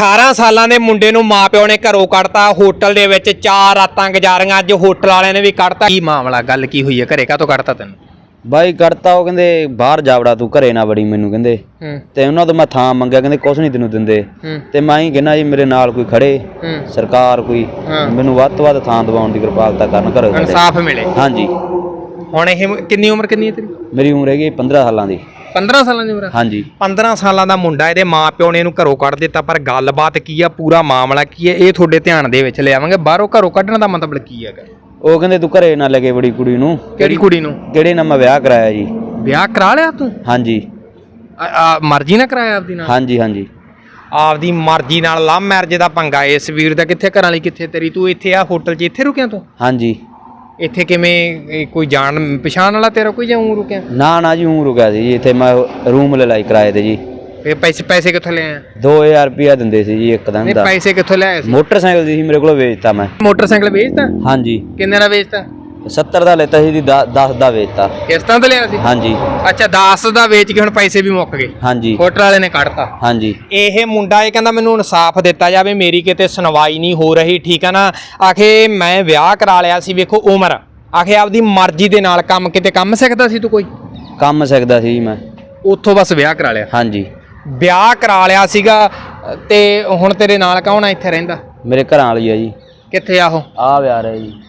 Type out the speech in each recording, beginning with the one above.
18 ਸਾਲਾਂ ਦੇ ਮੁੰਡੇ ਨੂੰ ਮਾਪਿਓ ਨੇ ਘਰੋਂ ਕੱਢਤਾ, ਹੋਟਲ ਦੇ ਵਿੱਚ 4 ਰਾਤਾਂ ਗੁਜ਼ਾਰੀਆਂ। ਅੱਜ ਹੋਟਲ ਵਾਲਿਆਂ ਨੇ ਵੀ ਕੱਢਤਾ। ਕੀ ਮਾਮਲਾ, ਗੱਲ ਕੀ ਹੋਈ ਹੈ? ਘਰੇ ਕਾਹਤੋਂ ਕੱਢਤਾ ਤੈਨੂੰ? ਬਾਈ ਕੱਢਤਾ, ਉਹ ਕਹਿੰਦੇ ਬਾਹਰ ਜਾਵੜਾ ਤੂੰ, ਘਰੇ ਨਾ ਬੜੀ ਮੈਨੂੰ ਕਹਿੰਦੇ। ਤੇ ਉਹਨਾਂ ਤੋਂ ਮੈਂ ਥਾਂ ਮੰਗਿਆ, ਕਹਿੰਦੇ ਕੁਛ ਨਹੀਂ ਤੈਨੂੰ ਦਿੰਦੇ। ਤੇ ਮੈਂ ਹੀ ਕਹਿੰਦਾ ਜੀ ਮੇਰੇ ਨਾਲ ਕੋਈ ਖੜੇ, ਸਰਕਾਰ ਕੋਈ ਮੈਨੂੰ ਵੱਧ ਤੋਂ ਵੱਧ ਥਾਂ ਦਿਵਾਉਣ ਦੀ ਕਿਰਪਾਲਤਾ ਕਰਨ, ਘਰੋਂ ਇਨਸਾਫ ਮਿਲੇ। ਹਾਂਜੀ। ਹੁਣ ਇਹ ਕਿੰਨੀ ਉਮਰ ਕਿੰਨੀ ਹੈ ਤੇਰੀ? ਮੇਰੀ ਉਮਰ ਹੈਗੀ 15 ਸਾਲਾਂ ਦੀ। 15 ਸਾਲਾਂ ਦੀ ਉਮਰ? ਹਾਂਜੀ। 15 ਸਾਲਾਂ ਦਾ ਮੁੰਡਾ, ਇਹਦੇ ਮਾਪਿਓ ਨੇ ਇਹਨੂੰ ਘਰੋਂ ਕੱਢ ਦਿੱਤਾ। ਪਰ ਗੱਲਬਾਤ ਕੀ ਆ, ਪੂਰਾ ਮਾਮਲਾ ਕੀ ਹੈ, ਇਹ ਤੁਹਾਡੇ ਧਿਆਨ ਦੇ ਵਿੱਚ ਲਿਆਵਾਂਗੇ। ਬਾਹਰੋਂ ਘਰੋਂ ਕੱਢਣ ਦਾ ਮਤਲਬ ਕੀ ਹੈਗਾ? ਉਹ ਕਹਿੰਦੇ ਤੂੰ ਘਰੇ ਨਾ ਲੱਗੇ ਬੜੀ ਕੁੜੀ ਨੂੰ। ਕਿਹੜੀ ਕੁੜੀ ਨੂੰ? ਕਿਹੜੇ ਨਾਲ ਮੈਂ ਵਿਆਹ ਕਰਾਇਆ ਜੀ। ਵਿਆਹ ਕਰਾ ਲਿਆ ਤੂੰ? ਹਾਂਜੀ। ਮਰਜ਼ੀ ਨਾਲ ਕਰਾਇਆ ਆਪਦੀ ਨਾਲ? ਹਾਂਜੀ ਹਾਂਜੀ। ਆਪਦੀ ਮਰਜ਼ੀ ਨਾਲ ਲਵ ਮੈਰਿਜ ਦਾ ਪੰਗਾ ਇਸ ਵੀਰ ਦਾ। ਕਿੱਥੇ ਘਰਾਂ ਲਈ, ਕਿੱਥੇ ਤੇਰੀ? ਤੂੰ ਇੱਥੇ ਆ ਹੋਟਲ 'ਚ ਇੱਥੇ ਰੁਕਿਆ ਤੂੰ? ਹਾਂਜੀ। ਇੱਥੇ ਕਿਵੇਂ, ਕੋਈ ਜਾਣ ਪਛਾਣ ਵਾਲਾ ਤੇਰਾ ਕੋਈ ਜਾਂ ਊਂ ਰੁਕਿਆ? ਨਾ ਨਾ ਜੀ, ਊਂ ਰੁਕਿਆ ਸੀ ਜੀ। ਇੱਥੇ ਮੈਂ ਰੂਮ ਲੈ ਲਈ ਕਿਰਾਏ ਤੇ ਜੀ। ਫੇ ਪੈਸੇ ਕਿੱਥੋਂ ਲਿਆਇਆ? 2000 ਰੁਪਇਆ ਦਿੰਦੇ ਸੀ ਜੀ ਇੱਕ ਦਿਨ ਦਾ। ਪੈਸੇ ਕਿੱਥੋਂ ਲਿਆਇਆ ਸੀ? ਮੋਟਰਸਾਈਕਲ ਸੀ ਮੇਰੇ ਕੋਲ, ਵੇਚਤਾ ਮੈਂ। ਮੋਟਰਸਾਈਕਲ ਵੇਚਤਾ? ਹਾਂਜੀ। ਕਿੰਨੇ ਦਾ ਵੇਚਤਾ? 70 ਦਾ ਲੈਤਾ ਸੀ ਜੀ, 10 ਦਾ ਵੇਚਤਾ। ਕਿਸ਼ਤਾਂ ਤੇ ਲਿਆ ਸੀ? ਹਾਂਜੀ। ਅੱਛਾ, 10 ਦਾ ਵੇਚ ਕੇ ਹੁਣ ਪੈਸੇ ਵੀ ਮੁੱਕ ਗਏ? ਹਾਂਜੀ। ਹੋਟਲ ਵਾਲੇ ਨੇ ਕੱਢਤਾ? ਹਾਂਜੀ। ਇਹ ਮੁੰਡਾ ਇਹ ਕਹਿੰਦਾ ਮੈਨੂੰ ਇਨਸਾਫ ਦਿੱਤਾ ਜਾਵੇ, ਮੇਰੀ ਕਿਤੇ ਸੁਣਵਾਈ ਨਹੀਂ ਹੋ ਰਹੀ, ਠੀਕ ਹੈ ਨਾ। ਆਖੇ ਮੈਂ ਵਿਆਹ ਕਰਾ ਲਿਆ ਸੀ, ਵੇਖੋ ਉਮਰ, ਆਖੇ ਆਪਦੀ ਮਰਜ਼ੀ ਦੇ ਨਾਲ। ਕੰਮ ਕਿਤੇ ਕੰਮ ਸਿੱਖਦਾ ਸੀ ਤੂੰ? ਕੋਈ ਕੰਮ ਸਿੱਖਦਾ ਸੀ ਮੈਂ, ਉੱਥੋਂ ਬਸ ਵਿਆਹ ਕਰਾ ਲਿਆ? ਹਾਂਜੀ। ਵਿਆਹ ਕਰਾ ਲਿਆ ਸੀਗਾ ਤੇ ਹੁਣ ਤੇਰੇ ਨਾਲ ਕੌਣ ਆ ਇੱਥੇ ਰਹਿੰਦਾ? ਮੇਰੇ ਘਰਾਂ ਵਾਲੀ ਆ ਜੀ। ਕਿੱਥੇ ਆ ਉਹ? ਆ ਵਿਆਹ ਰਿਹਾ ਜੀ।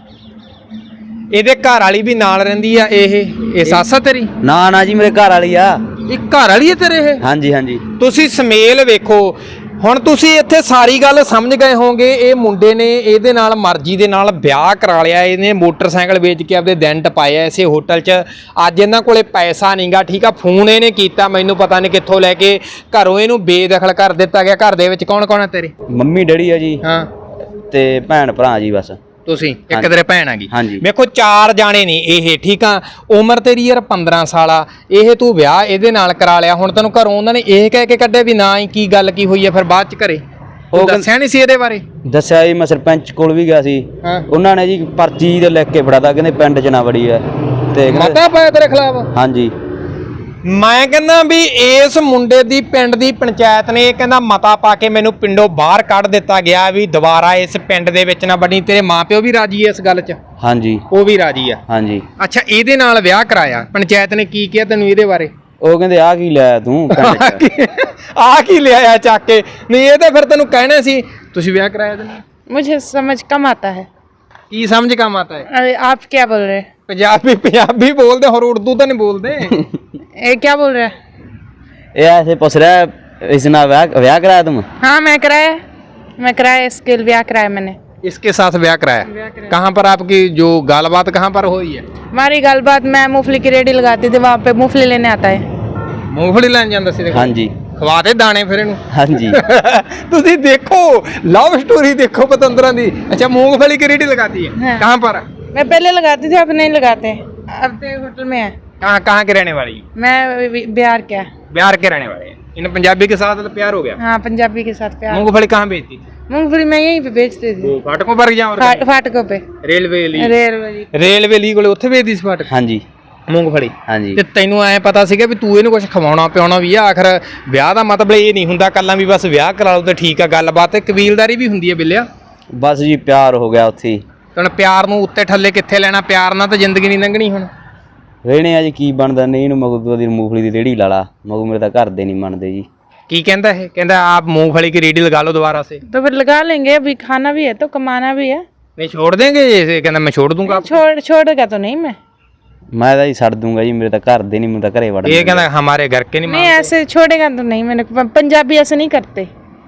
ਇਹਦੇ ਘਰ ਵਾਲੀ ਵੀ ਨਾਲ ਰਹਿੰਦੀ ਆ? ਇਹ ਸੱਸ ਆ ਤੇਰੀ? ਨਾ ਨਾ ਜੀ, ਮੇਰੇ ਘਰ ਵਾਲੀ ਆ। ਇਹ ਘਰ ਵਾਲੀ ਹੈ ਤੇਰੇ? ਇਹ? ਹਾਂਜੀ ਹਾਂਜੀ। ਤੁਸੀਂ ਸਮੇਲ ਵੇਖੋ। ਹੁਣ ਤੁਸੀਂ ਇੱਥੇ ਸਾਰੀ ਗੱਲ ਸਮਝ ਗਏ ਹੋਵੋਗੇ। ਇਹ ਮੁੰਡੇ ਨੇ ਇਹਦੇ ਨਾਲ ਮਰਜ਼ੀ ਦੇ ਨਾਲ ਵਿਆਹ ਕਰਾ ਲਿਆ। ਇਹਨੇ ਮੋਟਰਸਾਈਕਲ ਵੇਚ ਕੇ ਆਪਦੇ ਦਿਨ ਟਪਾਏ ਇਸੇ ਹੋਟਲ 'ਚ। ਅੱਜ ਇਹਨਾਂ ਕੋਲੇ ਪੈਸਾ ਨਹੀਂਗਾ, ਠੀਕ ਆ। ਫੋਨ ਇਹਨੇ ਕੀਤਾ, ਮੈਨੂੰ ਪਤਾ ਨਹੀਂ ਕਿੱਥੋਂ ਲੈ ਕੇ ਘਰੋਂ ਇਹਨੂੰ ਬੇਦਖਲ ਕਰ ਦਿੱਤਾ ਗਿਆ। ਘਰ ਦੇ ਵਿੱਚ ਕੌਣ ਕੌਣ ਹੈ ਤੇਰੇ? ਮੰਮੀ ਡੈਡੀ ਆ ਜੀ। ਹਾਂ। ਤੇ ਭੈਣ ਭਰਾ ਜੀ ਬਸ। ਤੁਸੀਂ ਇੱਕ ਤੇਰੇ ਭੈਣ ਹੈਗੀ? ਹਾਂਜੀ। ਵੇਖੋ 4 ਜਾਣੇ ਨੇ ਇਹ, ਠੀਕ ਆ। ਉਮਰ ਤੇਰੀ ਯਾਰ 15 ਸਾਲ ਆ। ਇਹ ਤੂੰ ਵਿਆਹ ਇਹਦੇ ਨਾਲ ਕਰਾ ਲਿਆ। ਹੁਣ ਤੈਨੂੰ ਘਰੋਂ ਉਹਨਾਂ ਨੇ ਇਹ ਕਹਿ ਕੇ ਕੱਢਿਆ ਵੀ ਨਾ ਹੀ ਕੀ ਗੱਲ ਕੀ ਹੋਈ ਹੈ? ਫਿਰ ਬਾਅਦ 'ਚ ਘਰੇ ਉਹ ਦੱਸਿਆ ਨਹੀਂ ਸੀ ਇਹਦੇ ਬਾਰੇ? ਦੱਸਿਆ ਜੀ, ਮੈਂ ਸਰਪੰਚ ਕੋਲ ਵੀ ਗਿਆ ਸੀ। ਉਹਨਾਂ ਨੇ ਜੀ ਪਰਚੀ ਤੇ ਲਿਖ ਕੇ ਫੜਾਤਾ, ਕਹਿੰਦੇ ਪਿੰਡ 'ਚ ਨਾ ਵੜੀ ਹੈ। ਤੇ ਮਤਾ ਪਾਇਆ ਤੇਰੇ ਖਿਲਾਫ? ਹਾਂਜੀ। ਮੈਂ ਕਹਿੰਦਾ ਵੀ ਇਸ ਮੁੰਡੇ ਦੀ ਪਿੰਡ ਦੀ ਪੰਚਾਇਤ ਨੇ ਕਹਿੰਦਾ ਮਤਾ ਪਾ ਕੇ ਮੈਨੂੰ ਪਿੰਡੋਂ ਬਾਹਰ ਕੱਢ ਦਿੱਤਾ ਗਿਆ ਵੀ ਦੁਬਾਰਾ ਇਸ ਪਿੰਡ ਦੇ ਵਿੱਚ ਨਾ ਬਣੀ। ਤੇਰੇ ਮਾਪਿਓ ਵੀ ਰਾਜੀ ਐ ਇਸ ਗੱਲ 'ਚ? ਹਾਂਜੀ। ਉਹ ਵੀ ਰਾਜੀ ਆ? ਹਾਂਜੀ। ਅੱਛਾ, ਇਹਦੇ ਨਾਲ ਵਿਆਹ ਕਰਾਇਆ, ਪੰਚਾਇਤ ਨੇ ਕੀ ਕਿਹਾ ਤੈਨੂੰ ਇਹਦੇ ਬਾਰੇ? ਉਹ ਕਹਿੰਦੇ ਆ ਕੀ ਲਿਆਇਆ ਤੂੰ ਪਿੰਡ 'ਚ? ਆ ਕੀ ਲਿਆਇਆ ਚੱਕ ਕੇ? ਨਹੀਂ ਇਹ ਤਾਂ ਫਿਰ ਤੈਨੂੰ ਕਹਿਣਾ ਸੀ ਤੁਸੀਂ ਵਿਆਹ ਕਰਾਇਆ ਤੈਨੂੰ। मुझे समझ कम आता है। ਕੀ ਸਮਝ ਕੰਮ ਆਤਾ ਹੈ? अरे आप क्या बोल रहे हैं? ਪੰਜਾਬੀ ਬੋਲਦੇ, ਹੋਰ ਉਰਦੂ ਤਾਂ ਨਹੀਂ ਬੋਲਦੇ। ये क्या बोल रहे हैं? ये ऐसे पूछ रहा है, इसने ब्याह कराया तुम? हाँ मैं कराया इसके ब्याह कराया मैंने। इसके साथ ब्याह कराया? कहाँ पर आपकी जो गालबात कहाँ पर हुई है? हमारी गालबात, मैं मूंगफली की रेडी लगाती थी, वहाँ पे मूंगफली लेने आता है। मूंगफली ਲੈਣ ਜਾਂਦਾ ਸੀ? ਹਾਂਜੀ। ਖਵਾਤੇ ਦਾਣੇ ਫਿਰ ਇਹਨੂੰ? ਹਾਂਜੀ। ਤੁਸੀਂ ਦੇਖੋ ਲਵ ਸਟੋਰੀ ਦੇਖੋ ਪਤੰਦਰਾਂ ਦੀ। ਅੱਛਾ, मूंगफली की रेडी लगाती है? कहाँ पर? मैं पहले लगाती थी, अब नहीं लगाते, अब तो होटल में है। कहाँ के रहने वाली? मैं बिहार के। बिहार के रहने वाले हैं। इन पंजाबी के साथ तो प्यार हो गया? हाँ, पंजाबी के साथ प्यार। मूंगफली कहाँ बेचती थी? मूंगफली मैं यहीं पे बेचती थी। फाटकों पर या फाटकों पे? रेलवे ली कोले उत्थे बेचदी सी फाटक? ਹਾਂਜੀ। मूंगफली? ਹਾਂਜੀ। ਤੇ ਤੈਨੂੰ ਐ ਪਤਾ ਸੀਗਾ ਵੀ ਤੂੰ ਇਹਨੂੰ ਕੁਝ ਖਵਾਉਣਾ ਪਿਆਉਣਾ ਵੀ ਆ? ਆਖਰ ਵਿਆਹ ਦਾ ਮਤਲਬ ਇਹ ਨਹੀਂ ਹੁੰਦਾ ਕੱਲਾ ਵੀ ਬਸ ਵਿਆਹ ਕਰਾ ਲਓ ਤੇ ਠੀਕ ਆ ਗੱਲਬਾਤ। ਕਬੀਲਦਾਰੀ ਵੀ ਹੁੰਦੀ ਹੈ ਬਿੱਲਿਆ। ਬਸ ਜੀ ਪਿਆਰ ਹੋ ਗਿਆ ਉੱਥੇ। ਹੁਣ ਪਿਆਰ ਨੂੰ ਉੱਤੇ ਥੱਲੇ ਕਿੱਥੇ ਲੈਣਾ? ਪਿਆਰ ਨਾਲ ਤਾਂ ਜ਼ਿੰਦਗੀ ਨਹੀਂ ਲੰਘਣੀ। ਹੁਣ ਵੇਣੇ ਆ ਜੀ ਕੀ ਬਣਦਾ। ਨਹੀਂ ਇਹਨੂੰ ਮਗੂ ਦੀ ਮੂੰਗਫਲੀ ਦੀ ਰੇੜੀ ਲਾ ਲਾ। ਮਗੂ ਮੇਰੇ ਤਾਂ ਘਰ ਦੇ ਨਹੀਂ ਮੰਨਦੇ ਜੀ। ਕੀ ਕਹਿੰਦਾ ਇਹ? ਕਹਿੰਦਾ ਆਪ मूंगफली की रेडी लगा लो दोबारा से। तो फिर लगा लेंगे, अभी खाना भी है तो कमाना भी है। नहीं छोड़ देंगे? जैसे कहना मैं छोड़ दूंगा। छोड़ेगा तो नहीं मैं ਤਾਂ ਹੀ ਛੱਡ ਦੂੰਗਾ ਜੀ। ਮੇਰੇ ਤਾਂ ਘਰ ਦੇ ਨਹੀਂ, ਮੈਨੂੰ ਤਾਂ ਘਰੇ ਵੜਨ। ਇਹ ਕਹਿੰਦਾ ਹਮਾਰੇ ਘਰ ਕੇ ਨਹੀਂ। नहीं ऐसे छोड़ेगा तो नहीं, मैंने पंजाबी ऐसे नहीं करते।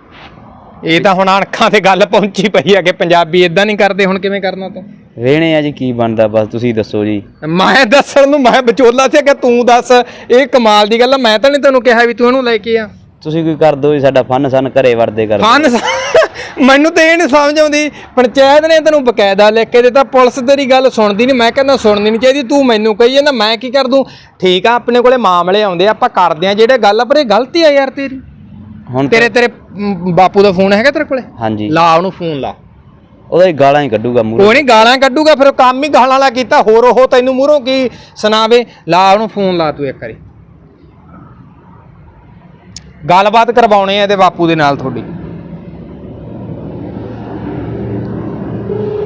ਇਹ ਤਾਂ ਹੁਣ ਅੱਖਾਂ ਤੇ ਗੱਲ ਪਹੁੰਚੀ ਪਈ ਆ ਕਿ ਪੰਜਾਬੀ ਇਦਾਂ ਨਹੀਂ ਕਰਦੇ। ਹੁਣ ਕਿਵੇਂ ਕਰਨਾ ਤੂੰ? ਵੇਣੇ ਆ ਜੀ ਕੀ ਬਣਦਾ, ਬਸ ਤੁਸੀਂ ਦੱਸੋ ਜੀ। ਮੈਂ ਦੱਸਣ ਨੂੰ ਮੈਂ ਵਿਚੋਲਾ ਸੀ ਕਿ ਤੂੰ ਦੱਸ। ਇਹ ਕਮਾਲ ਦੀ ਗੱਲ ਆ। ਮੈਂ ਤਾਂ ਨਹੀਂ ਤੈਨੂੰ ਕਿਹਾ ਵੀ ਤੂੰ ਇਹਨੂੰ ਲੈ ਕੇ ਆ। ਤੁਸੀਂ ਕੋਈ ਕਰ ਦੋ ਜੀ, ਸਾਡਾ ਫਨ ਸਨ ਘਰੇ ਵੜਦੇ ਕਰ। ਮੈਨੂੰ ਤਾਂ ਇਹ ਨਹੀਂ ਸਮਝ ਆਉਂਦੀ। ਪੰਚਾਇਤ ਨੇ ਤੈਨੂੰ ਬਕਾਇਦਾ ਲਿਖ ਕੇ ਦਿੱਤਾ, ਪੁਲਿਸ ਤੇਰੀ ਗੱਲ ਸੁਣਦੀ ਨਹੀਂ। ਮੈਂ ਕਹਿੰਦਾ ਸੁਣਨੀ ਨਹੀਂ ਚਾਹੀਦੀ। ਤੂੰ ਮੈਨੂੰ ਕਹੀ ਜਾਂਦਾ, ਮੈਂ ਕੀ ਕਰ ਦੂੰ? ਠੀਕ ਆ, ਆਪਣੇ ਕੋਲੇ ਮਾਮਲੇ ਆਉਂਦੇ ਆਪਾਂ ਕਰਦੇ ਆ ਜਿਹੜੇ ਗੱਲ, ਪਰ ਇਹ ਗਲਤੀ ਆ ਯਾਰ ਤੇਰੀ। ਹੁਣ ਤੇਰੇ ਬਾਪੂ ਦਾ ਫੋਨ ਹੈਗਾ ਤੇਰੇ ਕੋਲੇ? ਹਾਂਜੀ। ਲਾ ਉਹਨੂੰ ਫੋਨ ਲਾ। ਉਹਦਾ ਹੀ ਗਾਲਾਂ ਹੀ ਕੱਢੂਗਾ ਮੂਹਰੋਂ। ਕੋਈ ਨਹੀਂ ਗਾਲਾਂ ਕੱਢੂਗਾ, ਫਿਰ ਕੰਮ ਹੀ ਗਾਲਾਂ ਵਾਲਾ ਕੀਤਾ। ਹੋਰ ਉਹ ਤੈਨੂੰ ਮੂਹਰੋਂ ਕੀ ਸੁਣਾਵੇ? ਲਾ ਉਹਨੂੰ ਫੋਨ ਲਾ ਤੂੰ ਇੱਕ ਵਾਰੀ। ਗੱਲਬਾਤ ਕਰਵਾਉਣੀ ਹੈ ਇਹਦੇ ਬਾਪੂ ਦੇ ਨਾਲ ਤੁਹਾਡੀ।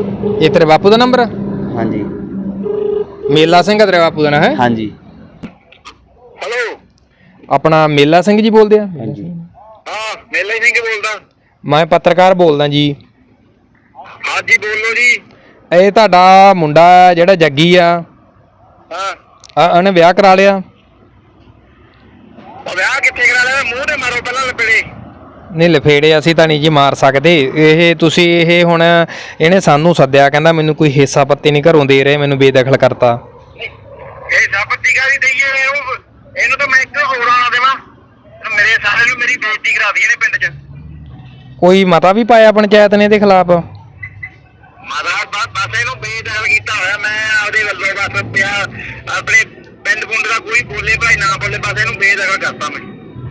ਇਹ ਤੇਰੇ ਬਾਪੂ ਦਾ ਨੰਬਰ ਆ? ਹਾਂਜੀ ਮੇਲਾ ਸਿੰਘ ਆ ਤੇਰੇ ਬਾਪੂ ਦਾ ਨਾਂ ਹੈ? ਹਾਂਜੀ ਹੈਲੋ ਆਪਣਾ ਮੇਲਾ ਸਿੰਘ ਜੀ ਬੋਲਦੇ ਆ? ਹਾਂਜੀ ਹਾਂ ਮੇਲਾ ਸਿੰਘ ਬੋਲਦਾ। ਮੈਂ ਪੱਤਰਕਾਰ ਬੋਲਦਾ ਜੀ। ਹਾਂਜੀ ਬੋਲੋ ਜੀ। ਇਹ ਤੁਹਾਡਾ ਮੁੰਡਾ ਜਿਹੜਾ ਜੱਗੀ ਆ, ਹਾਂ ਉਹਨੇ ਵਿਆਹ ਕਰਾ ਲਿਆ? ਉਹ ਵਿਆਹ ਕਿੱਥੇ ਕਰਾ ਲਿਆ? ਮੂੰਹ ਤੇ ਮਾਰੋ ਪਹਿਲਾਂ ਲਪੇੜੇ। ਨਹੀਂ ਲਫੇੜੇ ਅਸੀਂ ਤਾਂ ਨਹੀਂ ਜੀ ਮਾਰ ਸਕਦੇ। ਇਹ ਤੁਸੀਂ ਇਹ ਹੁਣ ਇਹਨੇ ਸਾਨੂੰ ਸੱਦਿਆ, ਕਹਿੰਦਾ ਮੈਨੂੰ ਕੋਈ ਹਿੱਸਾ ਪੱਤੀ ਨਹੀਂ ਘਰੋਂ ਦੇ ਰਹੇ, ਮੈਨੂੰ ਬੇਦਖਲ ਕਰਤਾ। ਇਹ ਸਾਪਤੀ ਕਾਹਦੀ ਦਈਏ? ਇਹਨੂੰ ਤਾਂ ਮੈਂ ਇੱਕ ਹੋਰ ਆਣਾ ਦੇਵਾਂ, ਮੇਰੇ ਸਾਰੇ ਨੂੰ ਮੇਰੀ ਬੇਇੱਜ਼ਤੀ ਕਰਾ ਦਈਏ ਨੇ ਪਿੰਡ 'ਚ। ਕੋਈ ਮਤਾ ਵੀ ਪਾਇਆ ਪੰਚਾਇਤ ਨੇ ਇਹਦੇ ਖਿਲਾਫ? ਬਸ ਇਹਨੂੰ ਬੇਦਖਲ ਕੀਤਾ ਹੋਇਆ ਮੈਂ ਆਪਦੇ ਵੱਲੋਂ। ਬਸ ਪਿਆ ਆਪਣੇ ਪਿੰਡ ਪੁੰਡ ਦਾ ਕੋਈ ਬੋਲੇ ਭਾਈ ਨਾ ਬੋਲੇ, ਬਸ ਇਹਨੂੰ ਬੇਦਖਲ ਕਰਤਾ ਮੈਂ।